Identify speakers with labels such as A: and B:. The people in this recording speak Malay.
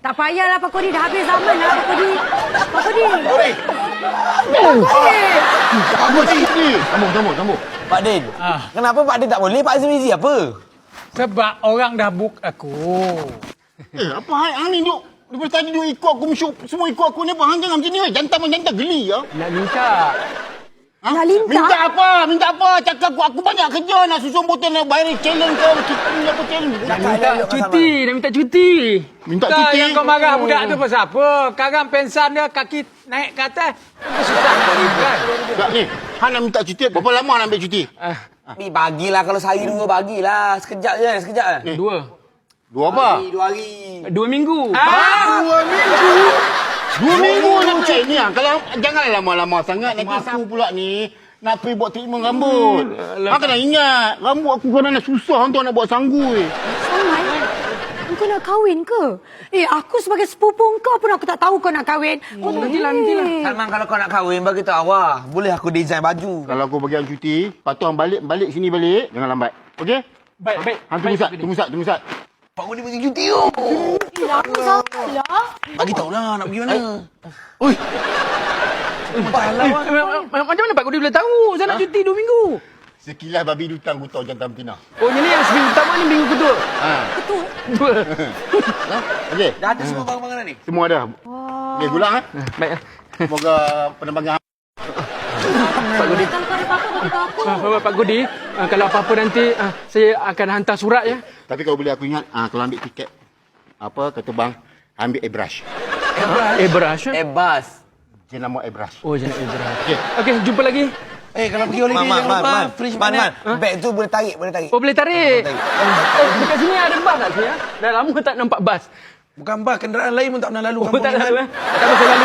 A: Tak payahlah Pak Kodi, dah habis zaman dah Pak Kodi. Pak Kodi.
B: Sambung.
C: Pak Din, kenapa Pak Din tak boleh? Pak Azmi Mizi apa?
D: Sebab orang dah book aku.
B: Apa hang ni duk? Daripada tadi duk ikut aku musyuk. Semua ikut aku ni apa? Hang jangan macam ni. Jantan geli ya.
D: Nak minta.
B: Ha?
A: Nak lintas?
B: Minta apa? Cakap aku banyak kerja nak susun botol nak bayar challenge ke kita apa challenge.
D: Nak minta cuti.
B: Minta
D: Kau
B: cuti?
D: yang kau marah budak tu pasal apa? Sekarang pensan dia kaki naik ke atas. Susah kau ni kan?
B: Tak ni. Hang nak minta cuti. Berapa lama nak ambil cuti?
C: Ni bagilah kalau sehari dua bagilah. Sekejap je.
B: Dua apa?
C: 2 hari.
D: 2 minggu.
B: 2 minggu nak cek ni ah. Kalau janganlah lama-lama sangat nanti aku pula ni nak pergi buat treatment rambut. Hang kena ingat, rambut aku kadang susah untuk nak buat sanggul.
A: Sangat. Kau nak kahwin ke? Aku sebagai sepupu kau pun aku tak tahu kau nak kahwin. Kau tak
D: Nantilah.
C: Salman, kalau kau nak kahwin, bagi tahu awak. Boleh aku design baju.
B: Kalau aku bagi hang cuti, patut hang balik sini balik, jangan lambat. Okey?
D: Baik.
B: Hang tunggu sat.
C: Pak Kodi bagi cuti tu.
A: Aku salah.
C: Bagi tahulah nak pergi mana.
D: Macam mana Pak Kodi boleh tahu? Saya nak cuti 2 minggu.
B: Sekilas babi dutang aku tahu jantan betina.
D: Oh, ini yang seminggu pertama ni minggu kedua.
B: Okey.
C: Dah ada semua barang-barang ni?
B: Semua ada. Okey, gula ah.
D: Baik.
B: Semoga penerbangan
D: Pak Kodi. Pak Kodi, kalau apa-apa nanti saya akan hantar surat ya.
B: Tapi kalau boleh aku ingat, kalau ambil tiket kata bang, ambil airbrush.
D: Airbrush.
C: Bas.
B: Jenama airbrush.
D: Oh, jangan airbrush.
B: Okey.
D: Okey, jumpa lagi.
C: Kalau pergi holiday jangan lupa fridge mana. Beg tu boleh tarik.
D: Oh, boleh tarik. Dekat sini ada bas tak sini ya? Dah lama tak nampak bas.
C: Bukan bas, kenderaan lain pun tak pernah lalu.
D: Oh, tak lalu. Tak pasal lalu.